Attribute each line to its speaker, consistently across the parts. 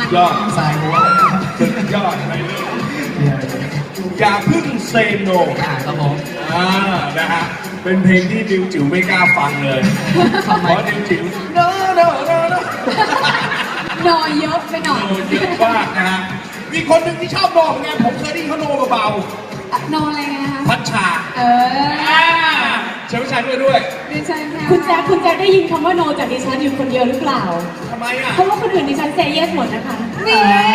Speaker 1: ยอด
Speaker 2: สายหัว
Speaker 1: สุดยอดไปเลยอย่าเพิ่งเซโน
Speaker 2: ครับผม
Speaker 1: นะฮะเป็นเพลงที่ดิวจิ๋วไม่กล้าฟังเลยเพราะดิวจิ๋วโน
Speaker 3: นอยเยอะไปหน่อย
Speaker 1: เยอะมากนะฮะมีคนหนึ่งที่ชอบโนเหมือนกันผมเคยได้ยินเขาโนเบาน
Speaker 3: อนอะไรกันนะคะ
Speaker 1: ๆพัชชา เชิญพัชชาด้วย
Speaker 3: ดิฉันค่ะ
Speaker 4: คุณแจ๊คได้ยินคำว่าโนจากดิฉันอยู่คนเดียวหรือเปล่า
Speaker 1: ทำไมอ่ะ
Speaker 4: เพราะว่าคนอื่นดิฉันเซเยสหมดนะคะ
Speaker 3: นี่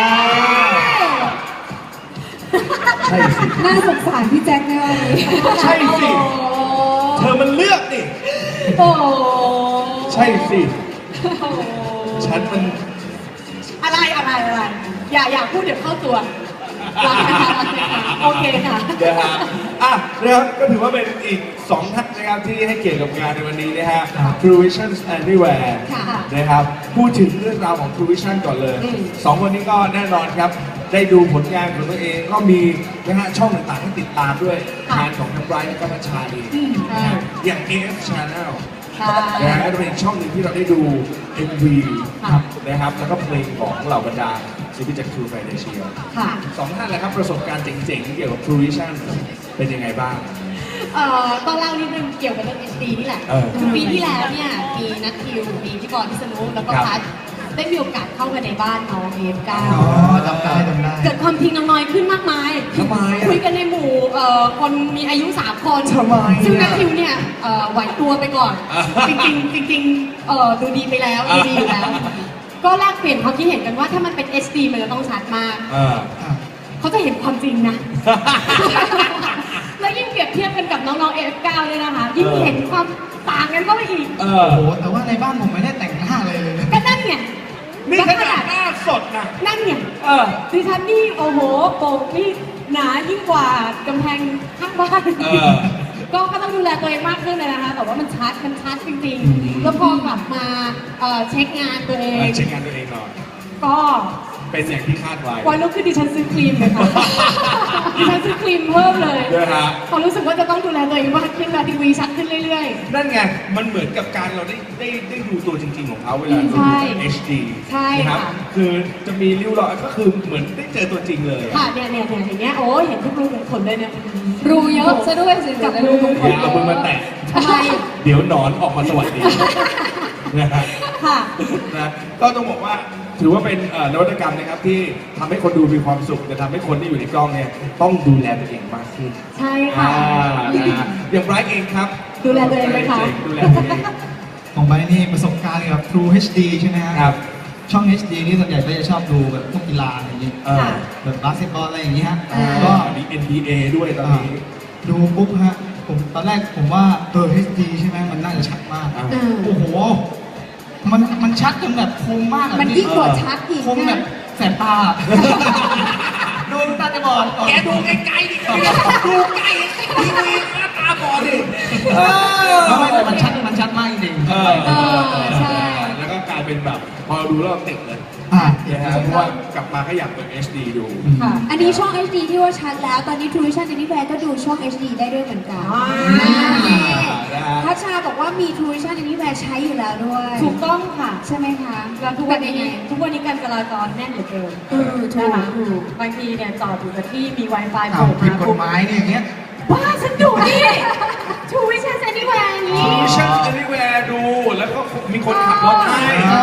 Speaker 1: ใช่สิ
Speaker 3: น่าสงสารพี่แจ็คแน่เลย
Speaker 1: ใช่สิเธอมันเลือกดิ
Speaker 4: โอ้โห
Speaker 1: ใช่สิฉันมัน
Speaker 4: อะไรอย่าพูดเดี๋ยวเข้าตัวรักนะคะโอเคค่ะ
Speaker 1: นะฮะนะครับก็ถือว่าเป็นอีก2ท่านนะครับที่ให้เกียรติกับงานในวันนี้นะฮะ True Vision Anywhere นะครับพูดถึงเรื่องราวของ True Vision ก่อนเลย2คนนี้ก็แน่นอนครับได้ดูผลงานของตัวเองก็มีนะฮะช่องต่างๆให้ติดตามด้วยงานของทั้งไบรท์และก็พัชชาเองนะฮะอย่าง AF Channel นะฮะก็จะเป็นอีกช่องหนึ่งที่เราได้ดู MV นะครับแล้วก็เพลงของเหล่าบรรดาศิลปินจาก True Financial
Speaker 4: ค่ะ
Speaker 1: สองท่านแหละครับประสบการณ์เจ๋งๆเกี่ยวกับ True Vision เป็นยังไงบ้าง
Speaker 4: ต้องเล่านิดนึงเกี่ยวกับเรื่อง HD นี่แหละ ปีที่แล้วเนี่ยมีนัททิวมีพี่บอลพิษณุแล้วก็พัดได้มีโอกาสเข้ามาในบ้านน้องAF9
Speaker 2: จำได้
Speaker 4: เกิดความทิ้งน้อยขึ้นมากมาย
Speaker 1: ทำไมอะ
Speaker 4: คุยกันในหมู่คนมีอายุ3 คน
Speaker 2: ทำไมอะ
Speaker 4: ซึ่งนัททิวเนี่ยไหวตัวไปก่อน จริงดูดีไปแล้วดูดีอยู่แล้ว ก็แลกเปลี่ยนความคิดเห็นกันว่าถ้ามันเป็น HD มันจะต้องชัดมาก เขาจะเห็นความจริงนะ แล้วยิ่งเปรียบเทียบกันกับน้องๆ AF9 เนี่ยนะคะ ยิ่งเห็นความต่างกันเข้าไปอีก
Speaker 2: โอ้โหแต่ว่าในบ้านผมไม่ได้แต่งหน้าเลยเลยนะ
Speaker 4: ก็นั่นไง
Speaker 1: นี่ขนาดหน้าสดนะ
Speaker 4: นั่นไงดิฉันนี่โอ้โหโปกนี่หนายิ่งกว่ากำแพงข้างบ้าน ก็ต้องดูแลตัวเองมากขึ้นเลยนะคะ แต่ว่ามันชัดจริงๆ แล้วพอกลับมาเช็คงานตัวเอง
Speaker 1: เช็คงานตัวเองหน่อย
Speaker 4: ก็
Speaker 1: เป็นอย่างที่คาดไว้
Speaker 4: วันลุกขึ้นดิฉันซื้อครีมเลยค่ะ ดิฉันซื้อครีมเพิ่มเลย
Speaker 1: นะฮะ
Speaker 4: พอรู้สึกว่าจะต้องดูแลตัวเองมากขึ้นแล้วทีวีชัดขึ้นเรื่อย
Speaker 1: นั่นไง มันเหมือนกับการเราได้ดูตัวจริงๆของเขาเวลาดู
Speaker 4: ใช่
Speaker 1: ใน HD
Speaker 4: ใช่
Speaker 1: นะครับ
Speaker 4: ค่ะ
Speaker 1: คือจะมีริ้วรอยก็คือเหมือนได้เจอตัวจริงเลย
Speaker 4: ๆ ค่ะเนี่ยอย่างเงี้ยโอ้ยเห็นทุกรูขุมขนเลยเนี่ย
Speaker 3: รูเยอะซะด้วยสิ
Speaker 4: กับรูขุมข
Speaker 1: อน ย่าเอามือมาแตะ
Speaker 4: ทำไม
Speaker 1: เดี๋ยวหนอนออกมาสวัสดีนะฮะ
Speaker 4: ค่ะ
Speaker 1: นะก็ต้องบอกว่าถือว่าเป็นนวัตกรรมนะครับที่ทำให้คนดูมีความสุขแต่ทำให้คนที่อยู่ในกล้องเนี่ยต้องดูแลตัวเองมากขึ้น
Speaker 4: ใช่ค่ะ
Speaker 1: นะฮะอย่างไบรท์เองครับ
Speaker 4: ดูแลตัวเองไหมคะ
Speaker 1: ดูแลตัวเอง
Speaker 2: ของไบร์ทนี่ประสบการณ์กับ True HD ใช่ไหมฮะ
Speaker 1: ครับ
Speaker 2: ช่อง HD นี่ส่วนใหญ่ก็จะชอบดูแบบพวกกีฬาอะไรอย่างนี้
Speaker 4: ค่ะ
Speaker 2: แบบบาสเกตบอลอะไรอย่างนี้ฮะ
Speaker 1: ก็
Speaker 2: ก็
Speaker 1: มี NBA ด้วยตอนนี้
Speaker 2: ดูปุ๊บฮะผมตอนแรกผมว่าHD ใช่ไหมมันน่าจะชัดมาก โอ้โห มันชัดจนแบบคมมากอะ
Speaker 3: มันยิ่งกว่าชัดอีก
Speaker 2: คมแบบแสบตา ดูตาจะบอด
Speaker 1: แกดูใกล้ๆดิดูใกล้ทีวีหน้าตาบอดดิ
Speaker 2: ไม่แต่มันชัดมากจริงๆ
Speaker 3: ใช่
Speaker 1: แล้วก็กลายเป็นแบบพอดูแล้วเราติดเลย นะฮะเพราะว่ากลับมาก็อยากเปิด HD ดู
Speaker 4: ค่ะ
Speaker 3: อันนี้ช่อง HD ที่ว่าชัดแล้ว ตอนนี้ True Vision Anywhere ก็ดูช่อง HD ได้ด้วยเหมือนกัน
Speaker 1: นะฮะ
Speaker 3: พัชชาบอกว่ามี True Vision Anywhere ใช้อยู่แล้วด้วย
Speaker 4: ถูกต้องค่ะ
Speaker 3: ใช่ไหมคะ
Speaker 4: แล้วทุกวัน
Speaker 3: เป็
Speaker 4: นี้
Speaker 3: ยังไง
Speaker 4: การจราจรแน่นเหลือเกิน
Speaker 3: ถูก
Speaker 4: นะคะ
Speaker 3: ถูก
Speaker 4: บางทีเนี่ยจอดอยู่กับที่มี Wi-Fi โผ
Speaker 2: อ้าว
Speaker 4: ล่
Speaker 2: ผิด
Speaker 4: มาก
Speaker 2: ฎหมายเนี่ยอย่างเงี้ย
Speaker 4: บ้าฉันดูนี่ True Vision Anywhere นี้
Speaker 1: Vision Anywhere ดู แล้วก็มีคนขับรถให้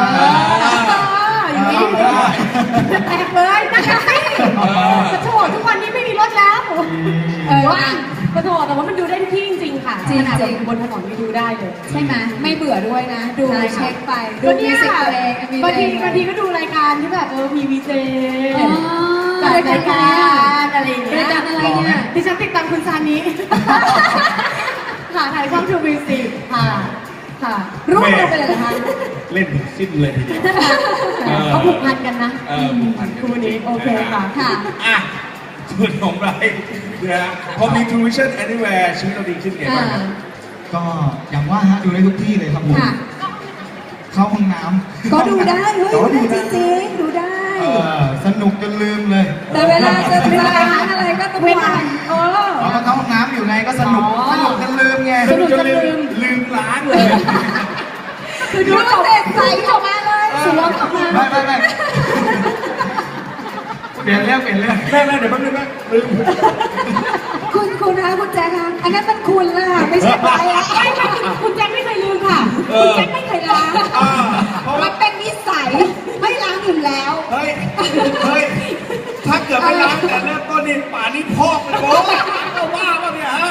Speaker 4: อย่างนี้
Speaker 1: ได้
Speaker 4: แตกเลยนะคะสิกระโถทุกวันนี้ไม่มีรถแล้วว่างกระโถแต่ว่ามันดูได้ทุกที่จริงๆค่ะขนาดบนถนนไม่ดูได้เลย
Speaker 3: ใช่ไหมไม่เบื่อด้วยนะ ดู
Speaker 4: ใช่ค่ะ
Speaker 3: เช็คไปดู
Speaker 4: ก็
Speaker 3: มิ
Speaker 4: เนี่
Speaker 3: วย สิกตัวเอง
Speaker 4: บางทีก็ดูรายการที่แบบมีวีเจ
Speaker 3: อ๋อ
Speaker 4: จัดรายการอะไรอย่างเงี้ย
Speaker 3: รายการอะไรเนี่ย
Speaker 4: ดิฉันติดตามคุณซานิ ค่ะถ่ายช่องทูบีซีค่ะค่ะรูปเราไปเลยเหรอคะ
Speaker 1: เล่นถึงสิ้นเลยทีเดียว
Speaker 4: เขาผูกพันกันนะ
Speaker 1: ผูกพันกัน
Speaker 4: คู่นี้โอเคค่ะ
Speaker 3: ค่ะ
Speaker 1: อ่ะส่วนของไรนะฮะพอมี True Vision Anywhere ชีวิตเราดีขึ้นไงบ้างครับ
Speaker 2: ก็อย่างว่าฮะดูได้ทุกที่เลยครับผม
Speaker 3: ค่ะ
Speaker 2: เข้าห้องน้ำ
Speaker 3: ก็ดูได้เฮ้ยดูได้จริงๆดูได้
Speaker 2: สนุกจนลืมเลย
Speaker 3: แต่เวลาจะร้านอะไรก็ต้อง
Speaker 4: เว
Speaker 3: วา
Speaker 4: ลาง
Speaker 2: เราก็เข้าห้องน้ำอยู่ไงก็สนุกจนลืมไง
Speaker 4: สนุกจนลืม
Speaker 1: ล้างเลย
Speaker 4: คือดู
Speaker 3: ดู
Speaker 4: จบ
Speaker 3: เสร็จใสออกมาเลย
Speaker 4: สวมออกมา
Speaker 2: ไม่เปลี่ยนเรื่อง
Speaker 1: แม่เดี๋ยวแป๊บนึงแม่ลืม
Speaker 3: คุณคะคุณแจ๊คคะอันนั้นมันคุณล่ะไม่ใช่ไปอ่ะ
Speaker 4: ไม่คุณแจ็คไม่เคยลืมค่ะคุณแจ็คไม่เคยล้าง
Speaker 1: เพราะ
Speaker 3: มั
Speaker 1: ว่าน
Speaker 3: เป็นนิสัยไม่ล้างอยู่แล้ว
Speaker 1: เฮ้ยถ้าเกิดไม่ล้างแต่เริ่มต้นนี่ป่านนี้พอกเลยโว้ยเอาว่าป่ะเนี่ยฮะ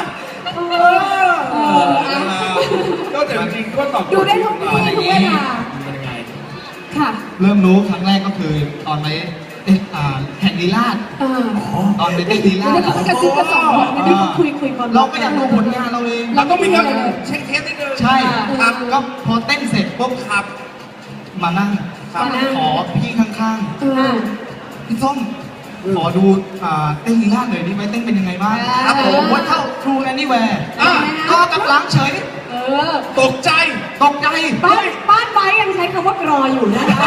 Speaker 1: ก็แต่จริงๆก็ตอบ
Speaker 3: ดูได้ทุกที่ทุกเวลา
Speaker 1: มันยังไง
Speaker 4: ค่ะ
Speaker 2: เริ่มรู้ครั้งแรกก็คือตอนไปแข่งลีลาดตอนไปเต้นลีลาด
Speaker 3: เดี๋ยวก็กระซิบกระซอบนิดนึง
Speaker 4: คุยก่อน
Speaker 2: เราก็อยากดูผลงานเราเอง
Speaker 1: เราต้องมีการเช็คเทสนิดนึง
Speaker 2: ใช่ครับก็พอเต้นเสร็จปุ๊บ
Speaker 1: ครับ
Speaker 2: มานั่ง
Speaker 1: ครับ
Speaker 2: ขอพี่ข้างๆพี่ส้มขอดูเต้นลีลาดหน่อยดิไปเต้นเป็นยังไงบ้างครับผมว่าเข้า True Anywhere ก็กำลังเฉย
Speaker 1: ตกใจ
Speaker 2: ตกใจ
Speaker 4: บ้านไว้ยังใช้คำว่ากรออยู่นะคะ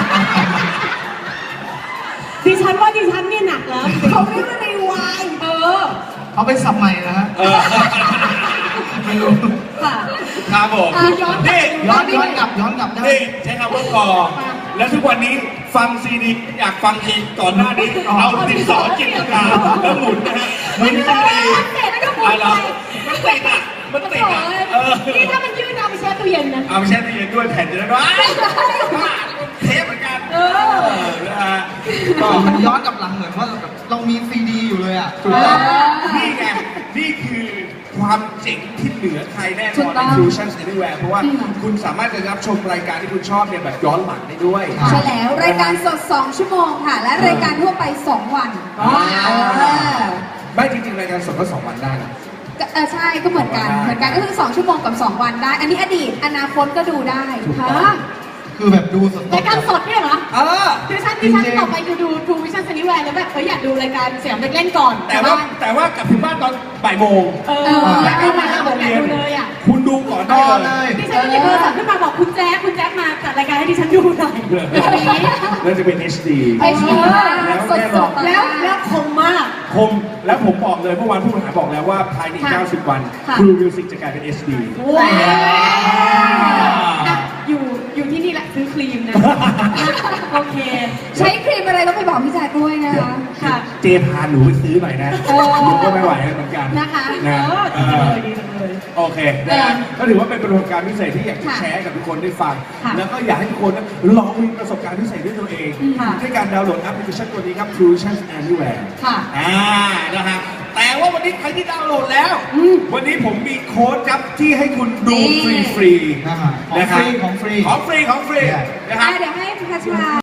Speaker 4: ดิฉันเนี่ยหนักแล้ว
Speaker 3: เขาเรียกว่ารีวาย
Speaker 2: เอาเป็นสับใหม่นะฮะไม่รู้
Speaker 4: ค่ะ
Speaker 1: ครับผม
Speaker 4: ย้อน
Speaker 1: นี่
Speaker 2: ย้อนกลับได้
Speaker 1: นี่ใช้คำว่ากอแล้วทุกวันนี้ฟังซีดีอยากฟังเองก่อนหน้านี้เอาติดสอจิตวิทยาแล้วหมุนนะฮะไม่ใช่ดี
Speaker 4: เสร็จแล้วก็หมุน
Speaker 1: อะไร
Speaker 4: ไป
Speaker 1: มันติดอ่ะมันติดอ่ะ
Speaker 4: นี่ถ้ามันยืดเอาไปแช่ตู้เย็นนะ
Speaker 1: เอาไปแช่ตู้เย็นด้วยแผ่นจะได้ว่าเทปเหมือนกันนะฮะก็
Speaker 2: มันย้อนกลับหลังเหมือนว่าเรามีซีดีอยู่เลยอ่ะ
Speaker 1: ถูกต้องนี่ไงนี่คือความเจ๋งที่เหนือใครแน่นอนใน Fusions Anywhere เพราะว่าคุณสามารถจะรับชมรายการที่คุณชอบเนี่ยแบบย้อนหลังได้ด้วย
Speaker 3: ใช่แล้วรายการสด 2 ชั่วโมงค่ะ และรายการทั่วไป 2 วัน
Speaker 1: ไม่จริงๆรายการสดก็2 วันได้นะ
Speaker 3: ใช่ก็เหมือนกันก็คือ 2 ชั่วโมงกับ 2 วันได้ อันนี้อดีตอนาคตก็ดูได้
Speaker 2: คือแบบดูสด
Speaker 4: รายการสดเนี่ยเหรอ ดิฉัน
Speaker 2: จริงๆ
Speaker 4: ต่อไปจะดู True Vision Anywhere แล้วแบบอยากดูรายการเสียงเด็กเล่นก่อน
Speaker 1: แต่ว่ากลับถึงบ้านตอนบ่ายโมง
Speaker 4: รายการมา5 โมงเย็นเลยอ่ะ
Speaker 1: คุณดูก่อน
Speaker 2: ต่
Speaker 1: ได้
Speaker 2: อ
Speaker 1: เล
Speaker 2: เลย ย
Speaker 4: ดิฉันก็หยิบโทรศัพท์ขึ้นมาบอกคุณแจ๊คมาจัดรายการให้ดิฉันดูหน่อยแบบนี้
Speaker 1: แล้วจะเป็น HD
Speaker 3: HD สดๆ
Speaker 4: แล้วคมมาก
Speaker 1: คมแล้วผมบอกเลยเมื่อวานผู้บริหารบอกแล้วว่าภายใน90 วัน
Speaker 4: ค่ะ
Speaker 1: True Music จะกลายเป็น HD
Speaker 4: ว้าวอยู่ที่นี่แหละซื้อครีมนะ โอเค
Speaker 3: ใช้ครีมอะไรต้องไปบอกพี่แจ๊คด้วยนะคะ
Speaker 4: ค่ะ
Speaker 1: เจพาหนูไปซื้อหน่อยนะหนูก็ไม่ไหวเหมือนกัน
Speaker 3: นะคะ
Speaker 1: นะ
Speaker 4: ดีจังเลย
Speaker 1: โอเคนะฮะก็ถือว่าเป็นประสบการณ์พิเศษที่อยากจะ
Speaker 3: ค่ะ
Speaker 1: แชร์ให้กับทุกคนได้ฟัง
Speaker 4: ค่ะ
Speaker 1: แล้วก็อยากให้ทุกคนลองมีประสบการณ์พิเศษด้วยตัวเอง
Speaker 4: ค่ะ
Speaker 1: ด้วยการดาวน์โหลดแอปพลิเคชันตัวนี้ครับ True Vision Anywhere
Speaker 4: ค่ะ
Speaker 1: นะฮะแต่ว่าวันนี้ใครที่ดาวน์โหลดแล้ว วันนี้ผมมีโค้ดครับที่ให้คุณดูฟรีๆ
Speaker 2: ของฟรี
Speaker 1: นะครับ
Speaker 2: ของฟรี
Speaker 1: ของฟรีนะครับ
Speaker 3: เดี๋ยวให้พัชรา